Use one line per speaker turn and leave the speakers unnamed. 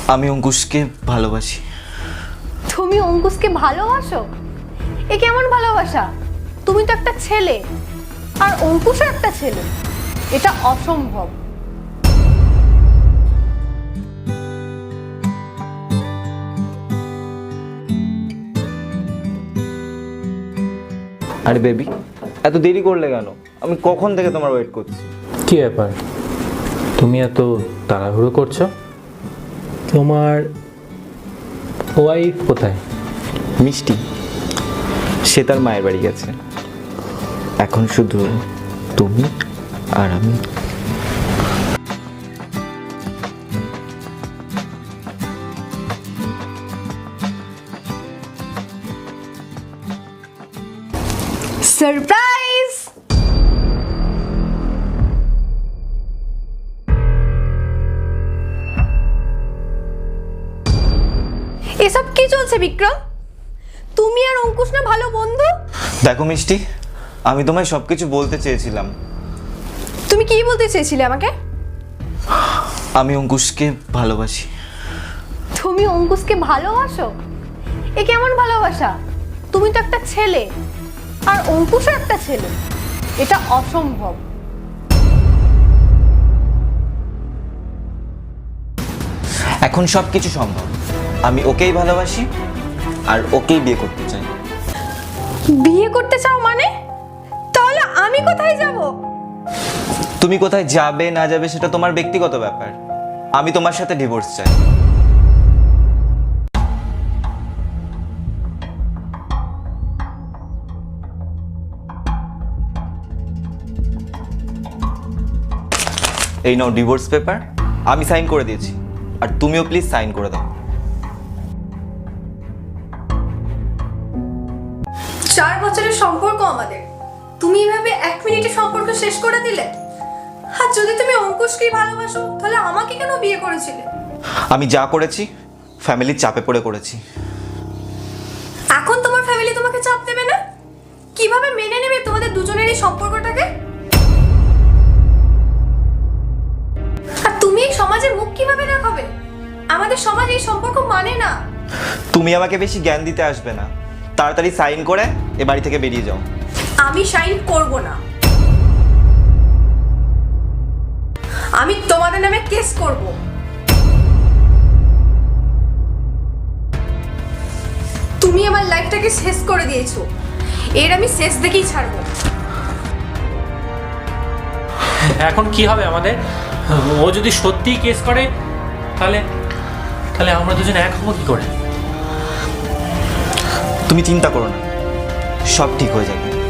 আমি অঙ্কুশকে ভালোবাসি।
তুমি অঙ্কুশকে ভালোবাসো? এ কেমন ভালোবাসা? তুমি তো একটা ছেলে আর অঙ্কুশও একটা ছেলে, এটা অসম্ভব।
আরে বেবি, এত দেরি করলে কেন? আমি কখন থেকে তোমার ওয়েট করছি।
কি ব্যাপার, তুমি এত তাড়াহুড়ো করছো? তোমার ওয়াইফ কোথায়?
মিষ্টি, সে তার মায়ের বাড়ি গেছে। এখন শুধু তুমি আর আমি।
সারপ্রাইজ! এসব কি চলছে বিক্রম? তুমি আর অঙ্কুশ না ভালো বন্ধু?
দেখো মিষ্টি, আমি তোমায় সবকিছু বলতে চেয়েছিলাম।
তুমি কি বলতে চেয়েছিলে আমাকে?
আমি অঙ্কুশকে ভালোবাসি।
তুমি অঙ্কুশকে ভালোবাসো? এ কেমন ভালোবাসা? তুমি তো একটা ছেলে আর অঙ্কুশও একটা ছেলে, এটা অসম্ভব।
এখন সব কিছু সম্ভব। আমি ওকেই ভালোবাসি আর ওকেই বিয়ে করতে চাই।
বিয়ে করতে চাও মানে? তাহলে আমি কোথায় যাব?
তুমি কোথায় যাবে না যাবে সেটা তোমার ব্যক্তিগত ব্যাপার। আমি তোমার সাথে ডিভোর্স চাই। এই নাও ডিভোর্স পেপার, আমি সাইন করে দিয়েছি, আর তুমিও প্লিজ সাইন করে দাও।
4 বছরের সম্পর্ক আমাদের, তুমি এভাবে 1 মিনিটে সম্পর্ক শেষ করে দিলে। আর যদি তুমি অঙ্কুশকেই ভালোবাসো তাহলে আমাকে কেন বিয়ে করেছিলে?
আমি যা করেছি ফ্যামিলির চাপে পড়ে করেছি।
এখন তোমার ফ্যামিলি তোমাকে চাপ দেবে না? কিভাবে মেনে নেবে তোমাদের দুজনের এই সম্পর্কটাকে? আর তুমি এই সমাজে মুখ কিভাবে দেখাবে? আমাদের সমাজ এই সম্পর্ক মানে না।
তুমি আমাকে বেশি জ্ঞান দিতে আসবে না, তাড়াতাড়ি সাইন করে এ বাড়ি থেকে বেরিয়ে যাও।
আমি সাইন করব না। আমি তোমাদের নামে কেস করব। তুমি আমার লাইফটাকে শেষ করে দিয়েছো, এর আমি শেষ দেখেই ছাড়বো।
এখন কি হবে আমাদের? ও যদি সত্যিই কেস করে তাহলে তাহলে আমরা দুজন এক হবো কি করে?
তুমি চিন্তা করো না, সব ঠিক হয়ে যাবে।